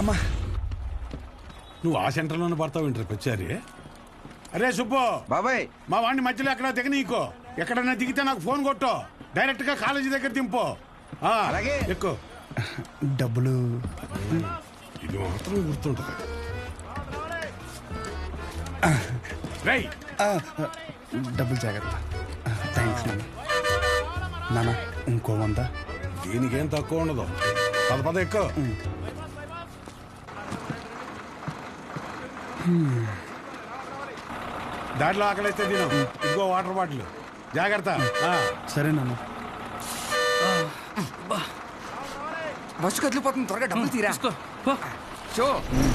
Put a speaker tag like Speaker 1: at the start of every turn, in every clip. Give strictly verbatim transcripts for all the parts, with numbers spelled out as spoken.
Speaker 1: అమ్మా
Speaker 2: నువ్వు ఆ సెంటర్లోనే పడతావు ఇంటర్ వచ్చారి. అరే సుబ్బు
Speaker 3: బాబాయ్,
Speaker 2: మా వాడిని మధ్యలో ఎక్కడ దిగ నీకో. ఎక్కడన్నా దిగితే నాకు ఫోన్ కొట్టు, డైరెక్ట్ గా కాలేజీ దగ్గర దింపు.
Speaker 3: అలాగే.
Speaker 2: ఎక్కువ
Speaker 1: డబ్బులు
Speaker 2: ఇది మాత్రం గుర్తుంటుంది. రై
Speaker 1: ఆ, డబ్బులు జాగ్రత్త. థ్యాంక్స్ నాన్న. నాన్న ఇంకో వంద.
Speaker 2: దీనికేం తక్కువ ఉండదు. పద పద ఎక్కువ. దాంట్లో ఆకలిస్తే తిను. ఇదిగో వాటర్ బాటిల్ జాగ్రత్త.
Speaker 1: సరే నాన్న.
Speaker 3: బస్సు కదిలిపోతుంది, త్వరగా డబ్బులు తీరా. షో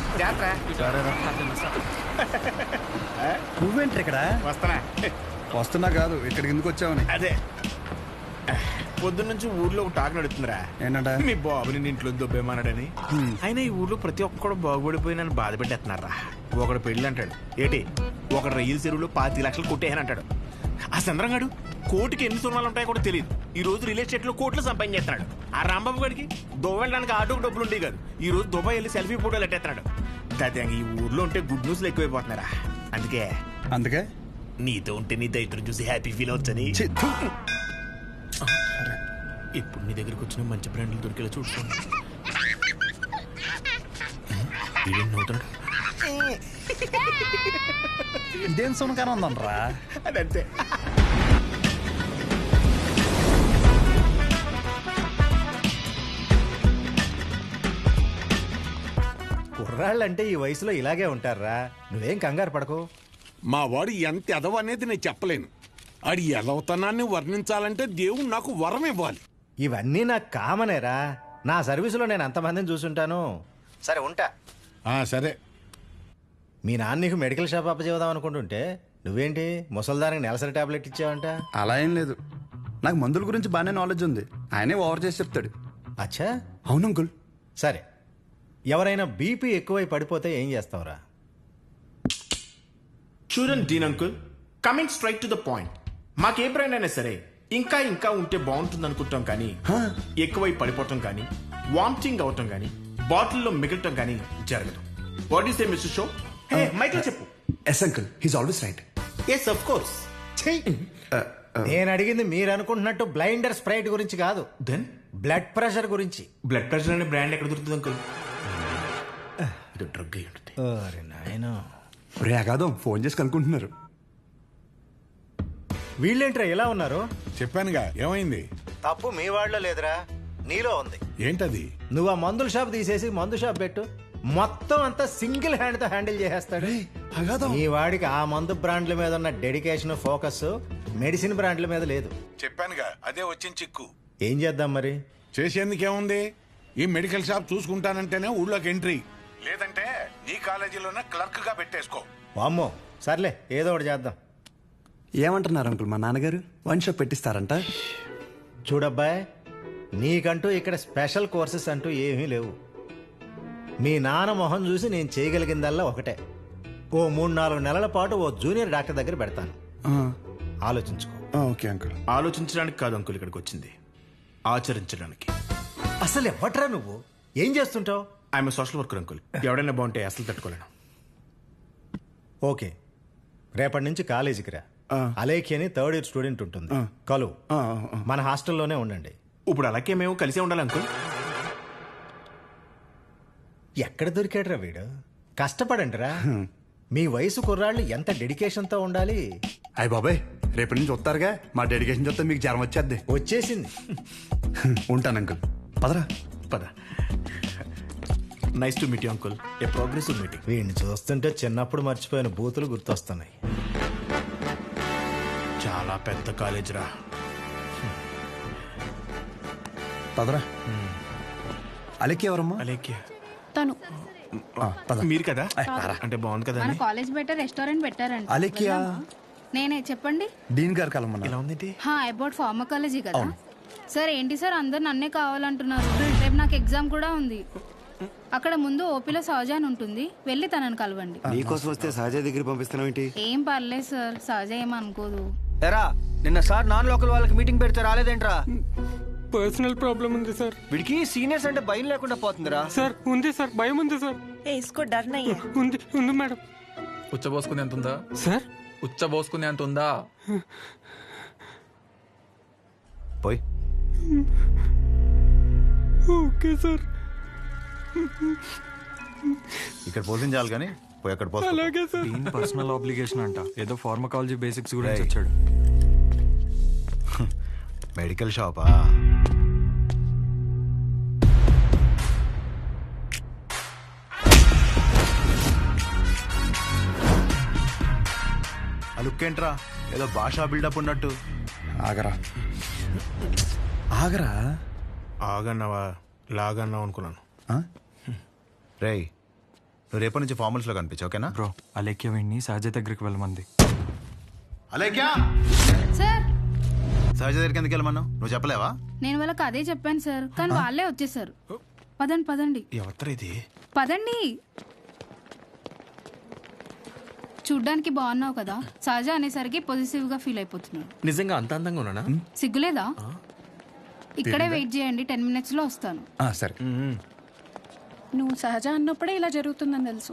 Speaker 1: నువ్వేంటి ఇక్కడ?
Speaker 2: వస్తానా?
Speaker 1: వస్తున్నా కాదు, ఇక్కడికి ఎందుకు వచ్చావని.
Speaker 4: అదే పొద్దున్న నుంచి ఊర్లో ఒక టాక్ నడుతుందిరా.
Speaker 1: ఏంటంట?
Speaker 4: మీ బాబుని నీ ఇంట్లో దొబ్బేమన్నాడని. ఆయన ఈ ఊర్లో ప్రతి ఒక్కడు బాగుపడిపోయి నన్ను బాధ పెట్టేస్తున్నారా. ఒకడు పెళ్ళి అంటాడు, ఏటి ఒకడు రైలు చెరువులో పాతి లక్షలు కొట్టేయని అంటాడు. ఆ చంద్రంగాడు కోటికి ఎన్ని సున్నాలు ఉంటాయో కూడా తెలియదు. ఈ రోజు రియల్ ఎస్టేట్ లో కోట్లు సంపాదించేస్తున్నాడు. ఆ రాంబాబు గారికి దుబాయ్ వెళ్ళడానికి ఆటోకి డబ్బులు ఉండేవి కాదు. ఈ రోజు దుబాయ్ వెళ్ళి సెల్ఫీ ఫోటోలు ఎట్టేస్తున్నాడు. దాదాపు ఈ ఊర్లో ఉంటే గుడ్ న్యూస్లు ఎక్కువైపోతున్నారా. అందుకే
Speaker 1: అందుకే
Speaker 4: నీతో ఉంటే నీ దైత్రం చూసి హ్యాపీ ఫీల్ అవచ్చని.
Speaker 1: ఛీ, థు.
Speaker 4: ఇప్పుడు నీ దగ్గరికి వచ్చిన మంచి బ్రాండ్లు దొరికేలా చూసుకోండి. ఇదేం నవ్వుతున్నాడు?
Speaker 1: ఇదేం సునకారం ఉందనరా.
Speaker 4: అదంతే.
Speaker 5: కుర్రాళ్ళంటే ఈ వయసులో ఇలాగే ఉంటారా. నువ్వేం కంగారు పడకు.
Speaker 2: మా వాడు ఎంత ఎదవ అనేది నేను చెప్పలేను. ఆడి ఎదవతనాన్ని వర్ణించాలంటే దేవుడు నాకు వరం ఇవ్వాలి.
Speaker 5: ఇవన్నీ నాకు కామనేరా. నా సర్వీసులో నేను అంతమందిని చూసుంటాను. సరే ఉంటా.
Speaker 2: ఆ సరే.
Speaker 5: మీ నాన్న నీకు మెడికల్ షాప్ అప్పచేద్దాం అనుకుంటుంటే నువ్వేంటి ముసల్దానికి నెలసరి టాబ్లెట్ ఇచ్చావంట?
Speaker 1: అలా ఏం లేదు, నాకు మందుల గురించి బాగానే నాలెడ్జ్ ఉంది. ఆయనే ఓవర్ చేసి చెప్తాడు.
Speaker 5: అచ్చా,
Speaker 1: అవును అంకుల్.
Speaker 5: సరే. ఎవరైనా బీపీ ఎక్కువై పడిపోతే ఏం చేస్తావురా?
Speaker 4: చూడండి Dean uncle, coming straight to the point. మాకే బ్రాండ్ అయినా సరే ఇంకా ఇంకా ఉంటే బాగుంటుంది అనుకుంటాం, కానీ ఎక్కువై పడిపోవటం కానీ వామిటింగ్ అవటం కానీ బాటిల్లో మిగలటం కానీ జరగదు. What is a mister show? Hey మైక్లో చెప్పు.
Speaker 1: Yes uncle, he's always right.
Speaker 4: Yes of course.
Speaker 5: నేను అడిగింది మీరు అనుకుంటున్నట్టు బ్లైండర్ స్ప్రైట్ గురించి కాదు,
Speaker 4: దెన్
Speaker 5: బ్లడ్ ప్రెషర్ గురించి.
Speaker 4: బ్లడ్ ప్రెషర్ అనే బ్రాండ్ ఎక్కడ దొరుకుతుంది అంకుల్? ఇది డ్రగ్ అయి ఉంటుంది.
Speaker 5: అరే నాయనా,
Speaker 1: రే అగాదం ఫోన్ చేసి కనుక్కుంటున్నారు.
Speaker 5: వీళ్ళేంట్రా ఇలా ఉన్నారు?
Speaker 2: చెప్పానుగా ఏమైంది.
Speaker 5: తప్పు మీ వాళ్ళలో లేదురా, నీలో ఉంది.
Speaker 2: ఏంటది?
Speaker 5: నువ్వు ఆ మందుల షాప్ తీసేసి మందు షాప్ పెట్టు, మొత్తం అంతా సింగిల్ హ్యాండ్ తో హ్యాండిల్ చేసేస్తాడు. ఈ వాడికి ఆ మందు బ్రాండ్ల మీద ఉన్న డెడికేషన్, ఫోకస్ మెడిసిన్ బ్రాండ్ల మీద లేదు.
Speaker 2: చెప్పానుగా అదే వచ్చిన చిక్కు.
Speaker 5: ఏం చేద్దాం మరి?
Speaker 2: చేసేందుకేముంది, ఈ మెడికల్ షాప్ చూసుకుంటానంటేనే ఊళ్ళోకి ఎంట్రీ, లేదంటే నీ కాలేజీలోనే క్లర్క్ గా పెట్టేసుకో.
Speaker 5: వామ్మో, సర్లే ఏదో ఒకటి చేద్దాం.
Speaker 1: ఏమంటున్నారు అంకుల్? మా నాన్నగారు వన్ షాప్ పెట్టిస్తారంట.
Speaker 5: చూడబ్బాయ్, నీకంటూ ఇక్కడ స్పెషల్ కోర్సెస్ అంటూ ఏమీ లేవు. మీ నాన్న మొహం చూసి నేను చేయగలిగిందల్లా ఒకటే, ఓ మూడు నాలుగు నెలల పాటు ఓ జూనియర్ డాక్టర్ దగ్గర పెడతాను. ఆలోచించుకో.
Speaker 1: Okay uncle.
Speaker 4: ఆలోచించడానికి కాదు అంకుల్ ఇక్కడికి వచ్చింది, ఆచరించడానికి.
Speaker 5: అసలు ఎవట్రా నువ్వు? ఏం చేస్తుంటావు?
Speaker 4: I'm social worker uncle. ఎవడైనా బాగుంటే అసలు తట్టుకోలేను.
Speaker 5: ఓకే, రేపటి నుంచి కాలేజీకి రా. అలేఖి అని థర్డ్ ఇయర్ స్టూడెంట్ ఉంటుంది, కలు. మన హాస్టల్లోనే ఉండండి.
Speaker 4: ఇప్పుడు అలాగే మేము కలిసే ఉండాలి అంకుల్.
Speaker 5: ఎక్కడ దొరికాడురా వీడు? కష్టపడండి రా. మీ వయసు కుర్రాళ్ళు ఎంత డెడికేషన్తో ఉండాలి.
Speaker 1: అయ్య బాబాయ్, రేపటి నుంచి వస్తారుగా, మా డెడికేషన్ చూస్తే మీకు జ్వరం వచ్చేద్ది.
Speaker 5: వచ్చేసింది.
Speaker 1: ఉంటాను అంకుల్. పదరా.
Speaker 4: పద. Nice to meet you uncle. A progressive meeting.
Speaker 5: వీడిని చూస్తుంటే చిన్నప్పుడు మర్చిపోయిన బూతులు గుర్తొస్తున్నాయి.
Speaker 4: చాలా పెద్ద కాలేజ్ రా.
Speaker 1: పదరా. అలెక్కి ఎవరమ్మా?
Speaker 4: అలేఖ్య
Speaker 6: తను
Speaker 4: మీరు కదా? అంటే బాగుంది కదా.
Speaker 6: మన కాలేజ్ బయట రెస్టారెంట్ పెట్టారంట.
Speaker 1: అలెక్కియా?
Speaker 6: నేనే, చెప్పండి.
Speaker 1: డీన్ గారు కలమన్నా.
Speaker 4: ఇలా ఉంది.
Speaker 6: హా, అబౌట్ ఫార్మకాలజీ కదా సార్. ఏంటి సార్ అందరు నన్నే కావాలంటున్నారు? రేపు నాకు ఎగ్జామ్ కూడా ఉంది. అక్కడ ముందు ఓపీలో సహజ అని ఉంటుంది, వెళ్ళి తనని కలవండి.
Speaker 3: నీకోసం వస్తే సహజ దగ్గర పంపిస్తున్నావు ఏంటి?
Speaker 6: ఏం పర్లేదు సార్, సహజ ఏమనుకోదు.
Speaker 7: ఎరా, నిన్న సార్ నాన్ లోకల్ వాళ్ళకి మీటింగ్ పెడితే రాలేదేంట్రా? పర్సనల్ ప్రాబ్లం ఉంది సార్.
Speaker 3: వీడికి సీనియర్స్ అంటే భయం లేకుండా పోతుందిరా.
Speaker 7: సార్ ఉంది సార్, భయం ఉంది సార్.
Speaker 8: ఏ ఇస్కో డర్ నహీ హై.
Speaker 7: ఉంది ఉంది మేడం.
Speaker 9: ఉచ్చబోసుకునే ఎంత ఉందా
Speaker 7: సార్?
Speaker 9: ఉచ్చబోసుకునే ఎంత ఉందా?
Speaker 3: పోయి
Speaker 7: ఓకే సార్.
Speaker 3: ఇక్కడ పోషించాలి కానీ పోయి అక్కడ పోస్తా.
Speaker 7: అలాగే సార్.
Speaker 10: దీని పర్సనల్ ఆబ్లిగేషన్ అంట. ఏదో ఫార్మకాలజీ బేసిక్స్ గురించి వచ్చాడు.
Speaker 3: మెడికల్ షాపా? ఆ లుక్ ఏంట్రా, ఏదో భాషా బిల్డప్ ఉన్నట్టు.
Speaker 1: ఆగరా ఆగరా.
Speaker 4: ఆగన్నావా లాగన్నావు అనుకున్నాను.
Speaker 3: రేయ్, నువ్వు రేపటి నుంచి ఫార్మల్స్లో కనిపించు, ఓకేనా?
Speaker 10: బ్రో అలేఖ్య వీడిని సహజ దగ్గరికి వెళ్ళమంది.
Speaker 3: అలేఖ్యా,
Speaker 6: సార్
Speaker 3: సహజ దగ్గరికి ఎందుకు వెళ్ళమన్నావు? నువ్వు చెప్పలేవా?
Speaker 6: నేను వాళ్ళకి అదే చెప్పాను సార్, కానీ వాళ్ళే వచ్చేసారు. పదండి పదండి
Speaker 4: ఎవరు ఇది?
Speaker 6: పదండి. చూడ్డానికి బాగున్నావు కదా, సహజ అనేసరికి పొజిటివ్ గా ఫీల్ అయిపోతున్నాడు.
Speaker 4: నిజంగా అంత అందంగా ఉన్నానా?
Speaker 6: సిగ్గులేదా? ఇక్కడే వెయిట్ చేయండి, టెన్ మినిట్స్ లో వస్తాను.
Speaker 1: ఆ, సరే.
Speaker 8: నువ్వు సహజ అన్నప్పుడే ఇలా జరుగుతుందని తెలుసు.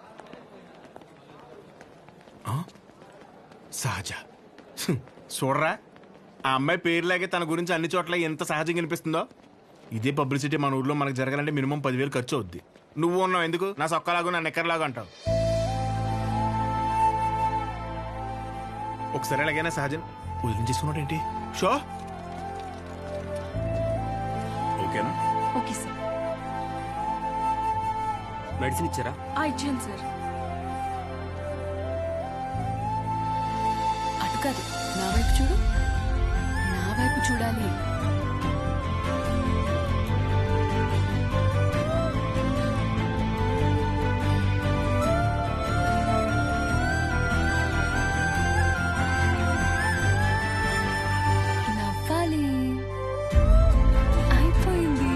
Speaker 4: సహజ హ్మ్. చూడరా, ఆ అమ్మాయి పేరులాగే తన గురించి అన్ని చోట్ల ఎంత సహజంగా అనిపిస్తుందో. ఇదే పబ్లిసిటీ మన ఊర్లో మనకు జరగాలంటే మినిమం పదివేలు ఖర్చు అవుద్ది. నువ్వు ఉన్నావు ఎందుకు? నా సొక్కలాగా నా నెక్కర్లాగా అంటావు. ఒకసారి ఎలాగైనా సహజన్ వదిలించేసుకున్నాడు ఏంటి? షో ఓకేనా?
Speaker 8: Okay sir.
Speaker 7: మెడిసిన్ ఇచ్చారా?
Speaker 8: ఆ ఇచ్చాను సార్. అటు కాదు, నా వైపు చూడు. నా వైపు చూడాలి. నవ్వాలి. అయిపోయింది.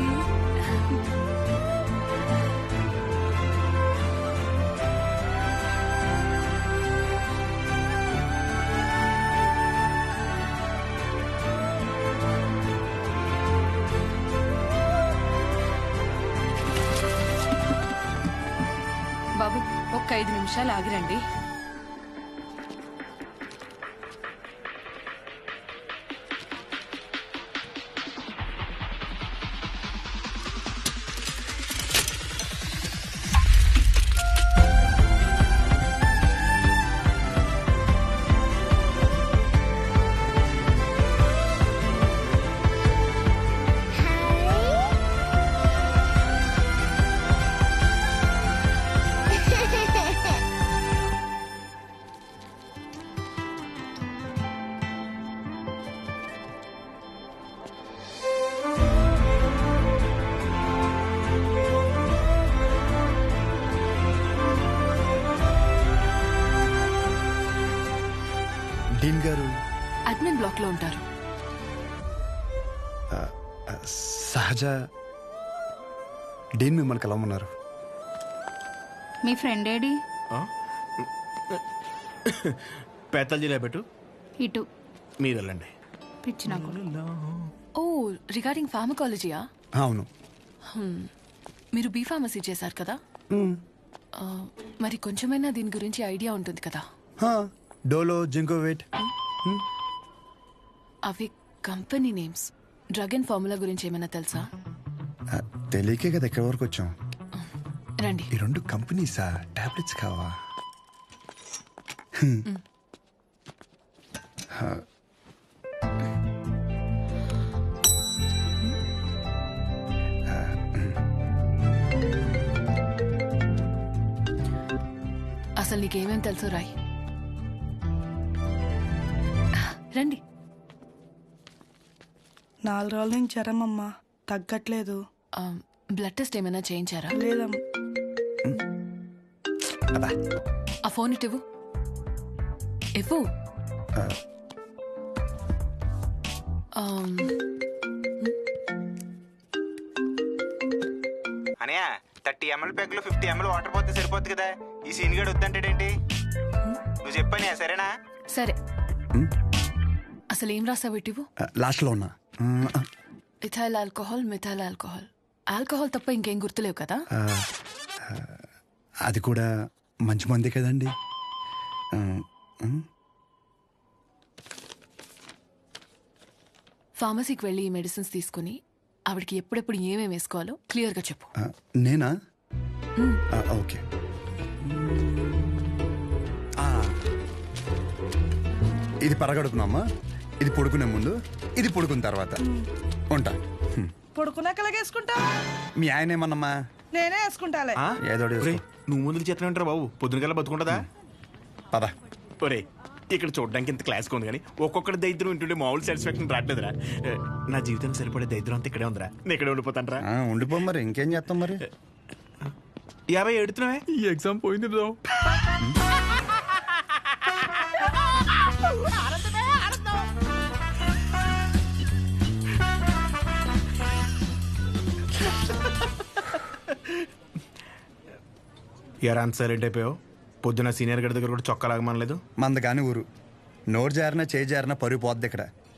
Speaker 8: బాబు ఒక్క ఐదు నిమిషాలు ఆగిరండి.
Speaker 1: డీన్ గారు
Speaker 8: అడ్మిన్ బ్లాక్ లో ఉంటారు.
Speaker 1: సహజ డీన్ మిమ్మల్ని కలవమన్నారు.
Speaker 6: మీ ఫ్రెండ్ ఏడి?
Speaker 4: పేతల్ జిల్లా పెట్టు.
Speaker 6: ఇటు
Speaker 4: మీరు వెళ్ళండి.
Speaker 6: పిచ్చి నాకు.
Speaker 8: ఓ రిగార్డింగ్ ఫార్మకాలజీయా?
Speaker 1: అవును.
Speaker 8: మీరు బీ ఫార్మసీ చేశారు కదా, ఆ, మరి కొంచెమైనా దీని గురించి ఐడియా ఉంటుంది కదా.
Speaker 1: డోలో, జింకోవేట్.
Speaker 8: అవి company names. Drug and formula గురించి ఏమైనా తెలుసా?
Speaker 1: తెలియకే కదా ఎక్కడి వరకు వచ్చాం.
Speaker 8: రండి.
Speaker 1: ఈ రెండు కంపెనీసా? టాబ్లెట్స్ కావా?
Speaker 8: అసలు నీకేమేం తెలుసు రాయ్. రండి.
Speaker 11: నాలుగు రోజుల నుంచి జ్వరం అమ్మా, తగ్గట్లేదు.
Speaker 8: ఆ, బ్లడ్ టెస్ట్ ఏమైనా చేయించారా?
Speaker 11: లేదమ్మా.
Speaker 8: ఆ ఫోన్ ఇటు ఇవ్వు. ఇవ్వు. Um,
Speaker 4: Anaya thirty ML pack లో ఫిఫ్టీ ఎంఎల్ వాటర్ పోతే సరిపోద్ది కదా. ఈ సీన్ గడు వద్దంటాడేంటి? నువ్వు చెప్పానే సరేనా?
Speaker 8: సరే. అసలు ఏం రాసావు ఇటు ఇవ్వు.
Speaker 1: లాస్ట్లో ఉన్నా.
Speaker 8: Ethyl alcohol methyl alcohol alcohol తప్ప ఇంకేం గుర్తులేవు కదా?
Speaker 1: ఆ, ఆ, అది కూడా మంచి మంది కదండి. ఆ, ఆ,
Speaker 8: ఫార్మసీకి వెళ్ళి ఈ మెడిసిన్స్ తీసుకుని ఆవిడకి ఎప్పుడెప్పుడు ఏమేమి వేసుకోవాలో క్లియర్గా చెప్పు.
Speaker 1: ఆ, నేనా ఆ, ఓకే. ఆ, ఇది పరగడుపునమ్మా, ఇది పడుకునే ముందు, ఇది పడుకున్న తర్వాత. ఉంటా. హ్మ్.
Speaker 11: పడుకున్నాక ఎలాగేసుకుంటా?
Speaker 1: మీ ఆయన ఏమన్నమ్మా?
Speaker 11: నేనే వేసుకుంటాలే.
Speaker 4: ఆ?
Speaker 1: ఏదో ఒకటి
Speaker 4: ఒరేయ్,
Speaker 1: వేసుకో.
Speaker 4: నువ్వు ముందుకు చేతనే ఉంటారా బాబు? పొద్దున కల్లా బతుకుంటుందా?
Speaker 1: పద.
Speaker 4: ఒరే ఇక్కడ చూడడానికి ఇంత క్లాస్గా ఉంది కానీ ఒక్కొక్కటి దరిద్రం వింటుంటే మామూలు సాటిస్ఫాక్షన్ రావట్లేదురా. ఏ, నా జీవితం సరిపడే దరిద్రం అంతా ఇక్కడే ఉందిరా. నేను ఇక్కడే ఉండిపోతాను రా.
Speaker 1: ఆ, ఉండిపో మరి, ఇంకేం చేస్తాం మరి.
Speaker 4: యాభై ఎడుతున్నావే.
Speaker 9: ఈ ఎగ్జామ్ పోయింది బ్రో.
Speaker 4: ఎరా అంత సైలెంట్ అయిపోయావు? పొద్దున సీనియర్ గడి దగ్గర కూడా చొక్కా లాగమనలేదు.
Speaker 1: మంద కాని ఊరు, నోరు జారినా చేయి జారినా పరుగు పోద్ది ఇక్కడ.